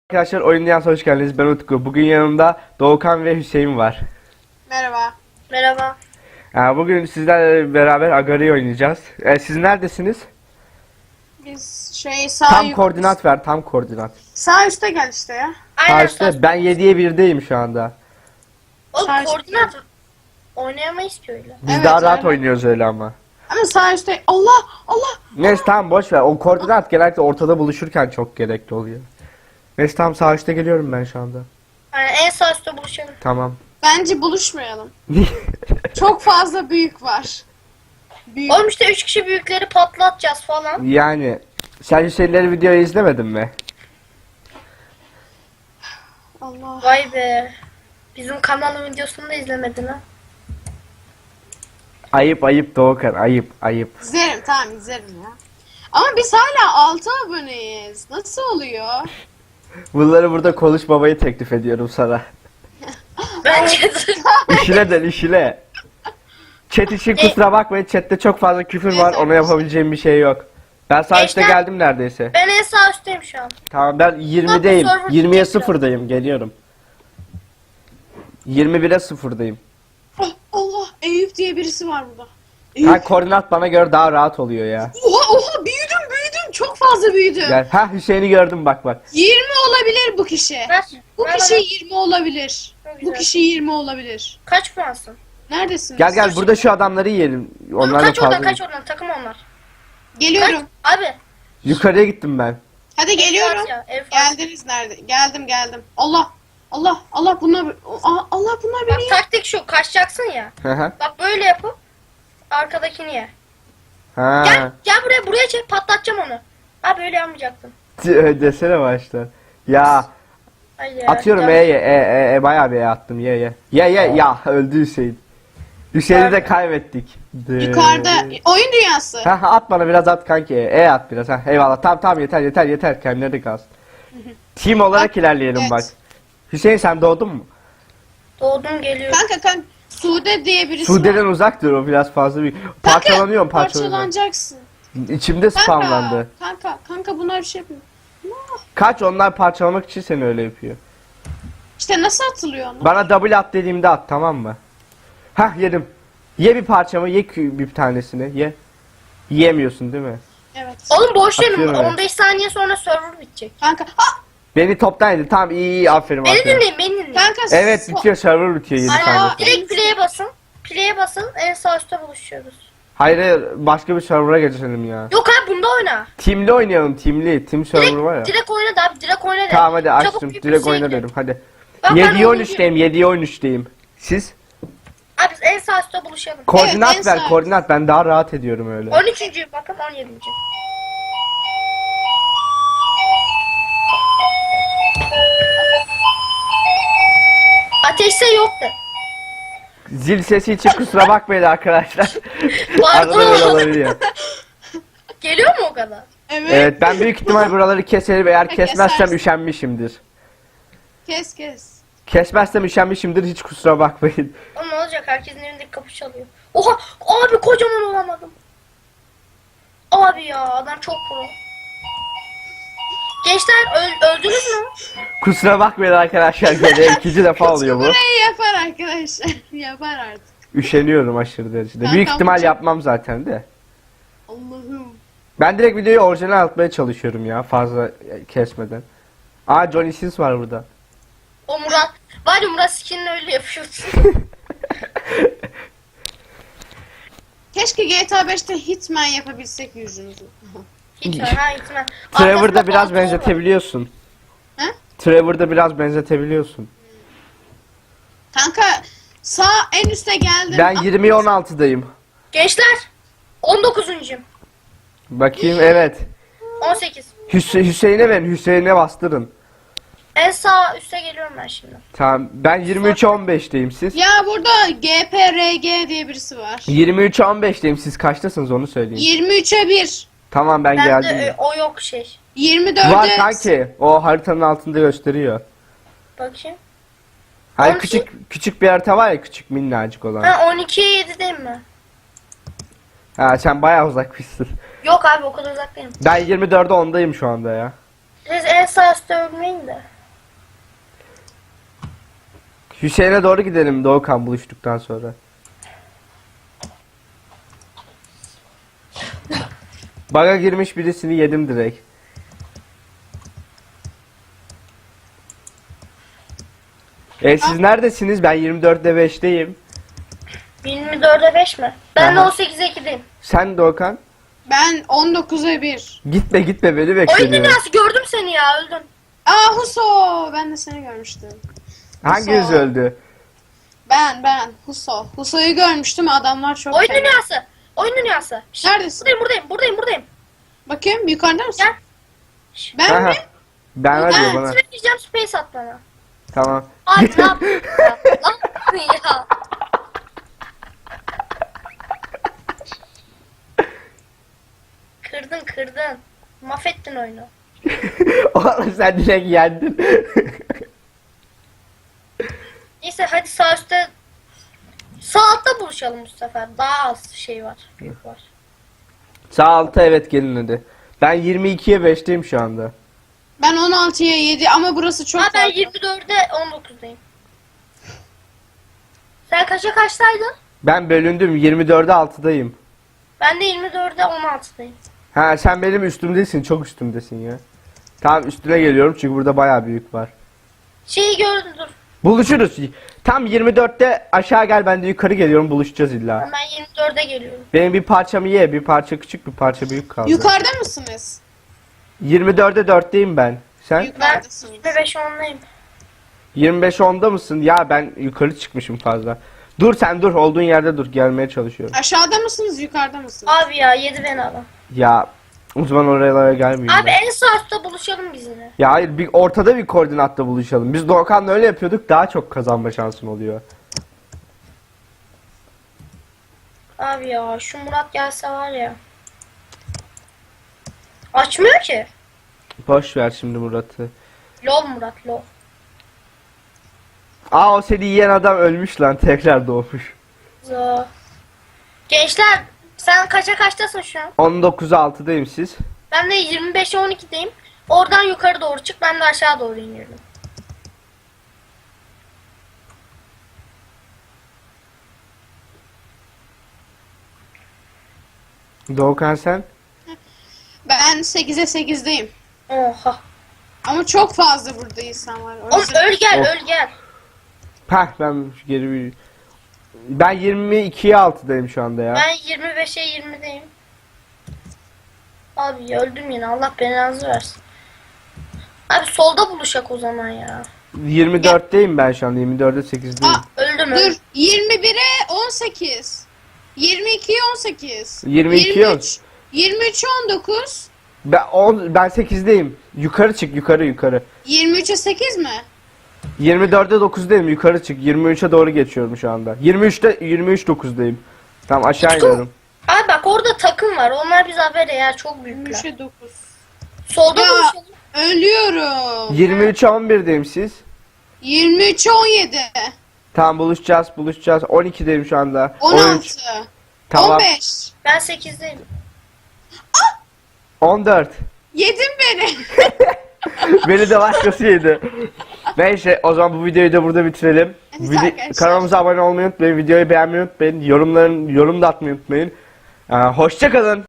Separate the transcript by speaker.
Speaker 1: Arkadaşlar Oyun Dünyası'na hoş geldiniz. Ben Utku. Bugün yanımda Doğukan ve Hüseyin var.
Speaker 2: Merhaba.
Speaker 3: Merhaba.
Speaker 1: Bugün sizlerle beraber Agari oynayacağız. Siz neredesiniz?
Speaker 2: Biz sağ
Speaker 1: Tam koordinat ver, tam koordinat.
Speaker 2: Sağ üstte gel işte ya.
Speaker 3: Aynen.
Speaker 1: Karşıda ben 7'ye 1'deyim şu anda.
Speaker 3: Oğlum
Speaker 2: Sağ
Speaker 3: koordinat oynayamayız ki öyle.
Speaker 1: Biz
Speaker 2: Evet,
Speaker 1: daha rahat
Speaker 2: öyle.
Speaker 1: oynuyoruz öyle ama.
Speaker 2: Ama sağ üstte Allah.
Speaker 1: Neyse tamam boş ver. O koordinat genellikle ortada buluşurken çok gerekli oluyor. Neyse tamam sağ üstte geliyorum ben şu anda.
Speaker 3: Yani en sağ üstte buluşalım.
Speaker 1: Tamam.
Speaker 2: Bence buluşmayalım. Çok fazla büyük var. Büyük.
Speaker 3: Oğlum işte 3 kişi büyükleri patlatacağız falan.
Speaker 1: Yani sen Hüseyinleri videoyu izlemedin mi?
Speaker 2: Allah.
Speaker 3: Vay be. Bizim kanalın videosunu da izlemedin ha.
Speaker 1: Ayıp ayıp Doğukan, ayıp ayıp.
Speaker 2: İzlerim, tamam izlerim ya. Ama biz hala 6 aboneyiz. Nasıl oluyor?
Speaker 1: Bunları burada konuşmamayı teklif ediyorum sana.
Speaker 3: Bence de.
Speaker 1: İşine dön işine. Chat için kusura bakmayın, chatte çok fazla küfür var, ona yapabileceğim bir şey yok. Ben sağ üstte
Speaker 3: Gençler-
Speaker 1: geldim neredeyse.
Speaker 3: Ben en sağ üstteyim şu an.
Speaker 1: Tamam ben 20'deyim,
Speaker 3: server
Speaker 1: 20'ye
Speaker 3: gidecek
Speaker 1: 0'dayım, geliyorum. 21'e 0'dayım.
Speaker 2: Oh, Allah, Eyüp diye birisi var burada.
Speaker 1: Ha
Speaker 2: Eyüp.
Speaker 1: koordinat bana göre daha rahat oluyor ya.
Speaker 2: Oha büyüdüm. Çok fazla büyüdüm.
Speaker 1: Gel. Ha Hüseyin'i gördüm bak.
Speaker 2: 20 olabilir bu kişi.
Speaker 3: Ver.
Speaker 2: Bu
Speaker 3: Ver
Speaker 2: kişi
Speaker 3: bana.
Speaker 2: 20 olabilir.
Speaker 3: Çok
Speaker 2: Bu
Speaker 3: güzel.
Speaker 2: kişi 20 olabilir.
Speaker 3: Kaç puansın?
Speaker 2: Neredesiniz?
Speaker 1: Gel burada şu adamları yiyelim.
Speaker 3: Oğlum
Speaker 1: Onlar da
Speaker 3: kaç oradan
Speaker 1: fazla.
Speaker 3: kaç oradan takım onlar.
Speaker 2: Geliyorum.
Speaker 3: Abi.
Speaker 1: Yukarıya gittim ben.
Speaker 2: Hadi geliyorum.
Speaker 3: Ya, ev fazla.
Speaker 2: Geldiniz nerede? Geldim. Allah bunlar Allah bunlar
Speaker 3: Bak
Speaker 2: beni yer.
Speaker 3: taktik şu kaçacaksın ya.
Speaker 1: Hı hı.
Speaker 3: Bak böyle yapıp arkadakini ye.
Speaker 1: Ha.
Speaker 3: Gel buraya çek patlatacağım onu. Ha böyle yapmayacaktım.
Speaker 1: Desene başta. Ya
Speaker 3: Hayır ya.
Speaker 1: atıyorum
Speaker 3: Gel.
Speaker 1: bayağı bir attım ye. Ye ya öldü Hüseyin. Hüseyin'i de kaybettik.
Speaker 2: Yukarıda oyun dünyası.
Speaker 1: Ha at bana biraz at kanki. At biraz ha. Eyvallah. Tamam yeter. Kendileri kalsın. Team olarak ilerleyelim
Speaker 2: Evet.
Speaker 1: bak. Hüseyin sen doğdun mu?
Speaker 3: Doğdum geliyor.
Speaker 2: Kanka Sude diye birisi
Speaker 1: Sude'den
Speaker 2: var.
Speaker 1: uzak dur o biraz fazla bir.
Speaker 2: Kanka,
Speaker 1: Parçalanıyorum.
Speaker 2: Parçalanacaksın.
Speaker 1: İçimde spamlandı.
Speaker 2: Kanka bunlar bir şey yapıyor.
Speaker 1: Kaç onlar parçalamak için seni öyle yapıyor.
Speaker 2: İşte nasıl atılıyor onu?
Speaker 1: Bana double at dediğimde at tamam mı? Hah yedim. Ye bir parçamı bir tanesini ye. Yiyemiyorsun değil mi?
Speaker 2: Evet.
Speaker 3: Oğlum boş verin.
Speaker 1: Atıyorum
Speaker 3: 15 saniye sonra server bitecek.
Speaker 2: Kanka.
Speaker 1: Beni toptan yedi. Tamam iyi aferin
Speaker 3: Beni
Speaker 1: aferin.
Speaker 3: dinleyin beni dinleyin.
Speaker 2: Kanka.
Speaker 1: Evet bitiyor server bitiyor 7
Speaker 3: Aynen.
Speaker 1: saniye.
Speaker 3: Direkt play'e basın. Play'e basın en sağ üstte buluşuyoruz.
Speaker 1: Hayır başka bir server'a geçelim ya.
Speaker 3: Yok abi bunda oyna.
Speaker 1: Team'li oynayalım team'li. Team server var ya.
Speaker 3: Direkt oyna da abi direkt oyna da.
Speaker 1: Tamam hadi
Speaker 3: Çabuk
Speaker 1: açtım.
Speaker 3: bir
Speaker 1: Direkt
Speaker 3: şey
Speaker 1: oyna
Speaker 3: ekle.
Speaker 1: dedim hadi.
Speaker 3: Bak, ben
Speaker 1: 7'ye
Speaker 3: oyunu
Speaker 1: 13'teyim 7'ye 13'teyim. Siz?
Speaker 3: Abi en sağ üstte buluşalım.
Speaker 1: Koordinat
Speaker 2: en
Speaker 1: ver
Speaker 2: sağ.
Speaker 1: koordinat ben daha rahat ediyorum öyle.
Speaker 3: 13. bakın 17. Ateşse yoktu.
Speaker 1: Zil sesi için kusura bakmayın arkadaşlar.
Speaker 3: Pardon.
Speaker 1: Arada böyle olabiliyor.
Speaker 3: Geliyor mu o kadar?
Speaker 2: Evet.
Speaker 1: Evet ben büyük ihtimal buraları keserim eğer kesmezsem
Speaker 2: Kesersin.
Speaker 1: üşenmişimdir.
Speaker 2: Kes.
Speaker 1: Kesmezsem üşenmişimdir hiç kusura bakmayın.
Speaker 3: Ama ne olacak herkesin evindeki kapı çalıyor. Oha abi kocaman olamadım. Abi ya adam çok pro. Gençler öldünüz mü?
Speaker 1: Kusura bakmayın arkadaşlar gene ikinci defa oluyor bu.
Speaker 2: Burayı yapar arkadaşlar. Yapar artık.
Speaker 1: Üşeniyorum aşırı derecede.
Speaker 2: Ben
Speaker 1: Büyük
Speaker 2: tam
Speaker 1: ihtimal
Speaker 2: çok-
Speaker 1: yapmam zaten de.
Speaker 2: Allah'ım.
Speaker 1: Ben direkt videoyu orijinal atmaya çalışıyorum ya fazla kesmeden. Aa Johnny Sins var burada.
Speaker 3: O Murat. Var ya Murat skinini öyle yapıyorsun.
Speaker 2: Keşke GTA 5'te Hitman yapabilsek yüzünüzü.
Speaker 3: Hitman ha Hitman.
Speaker 1: Trevor'da
Speaker 3: Arkasında
Speaker 1: biraz
Speaker 3: pantolon var.
Speaker 1: benzetebiliyorsun.
Speaker 2: He?
Speaker 1: Trevor'da biraz benzetebiliyorsun.
Speaker 2: Kanka sağ en üste geldim.
Speaker 1: Ben 20'ye 16'dayım.
Speaker 3: Gençler 19'uncuyum.
Speaker 1: Bakayım evet.
Speaker 3: 18.
Speaker 1: Hüseyin'e verin Hüseyin'e bastırın.
Speaker 3: En sağ üste geliyorum ben şimdi.
Speaker 1: Tamam ben 23'e 15'teyim siz.
Speaker 2: Ya burada GPRG diye birisi var.
Speaker 1: 23'e 15'teyim siz kaçtasınız onu söyleyin.
Speaker 2: 23'e 1.
Speaker 1: Tamam ben
Speaker 3: Ben
Speaker 1: geldim.
Speaker 3: de o yok şey.
Speaker 2: 24'e
Speaker 1: Var kanki o haritanın altında gösteriyor.
Speaker 3: Bakayım.
Speaker 1: Hayır
Speaker 3: 12.
Speaker 1: küçük bir harita var ya küçük minnacık olan.
Speaker 3: Ha 12'ye 7'deyim mi?
Speaker 1: Ha sen bayağı uzakmışsın.
Speaker 3: Yok abi o kadar uzak değilim.
Speaker 1: Ben 24'e 10'dayım şu anda ya.
Speaker 3: Siz en sağ üstte ölmeyin de.
Speaker 1: Hüseyin'e doğru gidelim Doğukan buluştuktan sonra. Baga girmiş birisini yedim direkt. Siz neredesiniz? Ben 24'te 5'teyim.
Speaker 3: 24'e 5 mi? Ben de
Speaker 1: Aha.
Speaker 3: 18'e 2'deyim.
Speaker 1: Sen Doğukan?
Speaker 2: Ben 19'a 1.
Speaker 1: Gitme beni
Speaker 3: Oyun
Speaker 1: bekliyorum.
Speaker 3: dünyası gördüm seni ya öldün.
Speaker 2: Aa Huso. Ben de seni görmüştüm.
Speaker 1: Hanginiz
Speaker 2: Huso.
Speaker 1: öldü?
Speaker 2: Ben. Huso. Huso'yu görmüştüm. Adamlar çok
Speaker 3: Oyun
Speaker 2: fena.
Speaker 3: dünyası. Oyun dünyası. Şşt,
Speaker 2: Neredesin?
Speaker 3: Buradayım.
Speaker 2: Bakayım yukarıda mısın?
Speaker 3: Gel. Şşt,
Speaker 2: Ben
Speaker 1: Aha.
Speaker 2: mi?
Speaker 1: Ben var diyor
Speaker 3: Ben
Speaker 1: bana.
Speaker 3: sıra gireceğim space at bana.
Speaker 1: Tamam.
Speaker 3: Abi ne yapıyorsun ya? Ne yapıyorsun ya? Kırdın. Mahvettin oyunu.
Speaker 1: Oğlum sen direkt yendin.
Speaker 3: Neyse hadi sağ üstte sağ altta buluşalım bu sefer. Daha az şey var. Büyük var.
Speaker 1: Sağ alta evet gelin hadi. Ben 22'ye 5'teyim şu anda.
Speaker 2: Ben 16'ya 7 ama burası çok
Speaker 3: Ha ben
Speaker 2: farklı.
Speaker 3: 24'e 19'dayım. Sen kaça kaçtaydın?
Speaker 1: Ben bölündüm 24'e 6'dayım.
Speaker 3: Ben de 24'e 16'dayım.
Speaker 1: Ha sen benim üstümdesin, çok üstümdesin ya. Tamam üstüne geliyorum çünkü burada bayağı büyük var.
Speaker 3: Şeyi gördüm dur.
Speaker 1: Buluşuruz. Tam 24'te aşağı gel, ben de yukarı geliyorum, buluşacağız illa.
Speaker 3: Ben 24'e geliyorum.
Speaker 1: Benim bir parçamı ye, bir parça küçük bir parça büyük kaldı.
Speaker 2: Yukarıda mısınız?
Speaker 1: 24'e 4'teyim ben. Sen
Speaker 3: Ben
Speaker 2: Yukarıdasınız.
Speaker 3: 25 10'dayım.
Speaker 1: 25 10'da mısın? Ya ben yukarı çıkmışım fazla. Dur sen dur, olduğun yerde dur, gelmeye çalışıyorum.
Speaker 2: Aşağıda mısınız yukarıda mısınız?
Speaker 3: Abi ya yedi beni adam.
Speaker 1: Ya o zaman oralara gelmeyeyim
Speaker 3: Abi
Speaker 1: ben.
Speaker 3: en sağ üstte buluşalım biz yine.
Speaker 1: Ya hayır, bir ortada bir koordinatta buluşalım. Biz Doğukan'la öyle yapıyorduk, daha çok kazanma şansın oluyor.
Speaker 3: Abi ya şu Murat gelse var ya. Açmıyor ki.
Speaker 1: Boş ver şimdi Murat'ı.
Speaker 3: Lol Murat lol.
Speaker 1: Aa, o seni yiyen adam ölmüş lan, tekrar doğmuş.
Speaker 3: Zo. Gençler sen kaça kaçtasın şu an?
Speaker 1: 19'a 6'dayım siz.
Speaker 3: Ben de 25'e 12'deyim. Oradan yukarı doğru çık, ben de aşağı doğru iniyorum.
Speaker 1: Doğukan sen?
Speaker 2: Ben 8'e 8'deyim.
Speaker 3: Oha.
Speaker 2: Ama çok fazla burada insan var. O
Speaker 3: Oğlum
Speaker 2: yüzden-
Speaker 3: öl gel
Speaker 1: Of.
Speaker 3: öl gel.
Speaker 1: Heh, ben geri bir... Ben 22'ye 6'dayım şu anda ya.
Speaker 3: Ben 25'e 20'deyim. Abi ya öldüm yine, Allah belanızı versin. Abi solda buluşak o zaman ya.
Speaker 1: 24'teyim ben şu anda, 24'e 8'deyim.
Speaker 2: Aa,
Speaker 3: Öldüm
Speaker 2: dur.
Speaker 3: öldüm.
Speaker 2: 21'e 18. 22'ye 18.
Speaker 1: 22'ye
Speaker 2: 23'e 19.
Speaker 1: Ben 8'deyim. Yukarı çık, yukarı.
Speaker 2: 23'e 8 mi?
Speaker 1: 24'e 9'dayım, yukarı çık. 23'e doğru geçiyorum şu anda. 23 9'dayım. Tamam, aşağı
Speaker 3: Utku.
Speaker 1: iniyorum.
Speaker 3: Abi bak orada takım var. Onlar bize haber ya, çok büyükler.
Speaker 2: 23'e 9.
Speaker 3: Solda
Speaker 2: Ya.
Speaker 3: buluşalım.
Speaker 2: Ölüyorum.
Speaker 1: 23'e 11'deyim siz.
Speaker 2: 23'e 17.
Speaker 1: Tamam, buluşacağız. 12'deyim şu anda.
Speaker 2: 16.
Speaker 1: Tamam.
Speaker 2: 15.
Speaker 3: Ben 8'deyim.
Speaker 1: 14.
Speaker 2: Yedin beni.
Speaker 1: Beni de başkası yedi. Neyse, o zaman bu videoyu da burada bitirelim.
Speaker 2: Evet arkadaşlar.
Speaker 1: Kanalımıza abone olmayı unutmayın. Videoyu beğenmeyi unutmayın. Yorum da atmayı unutmayın. Hoşça kalın.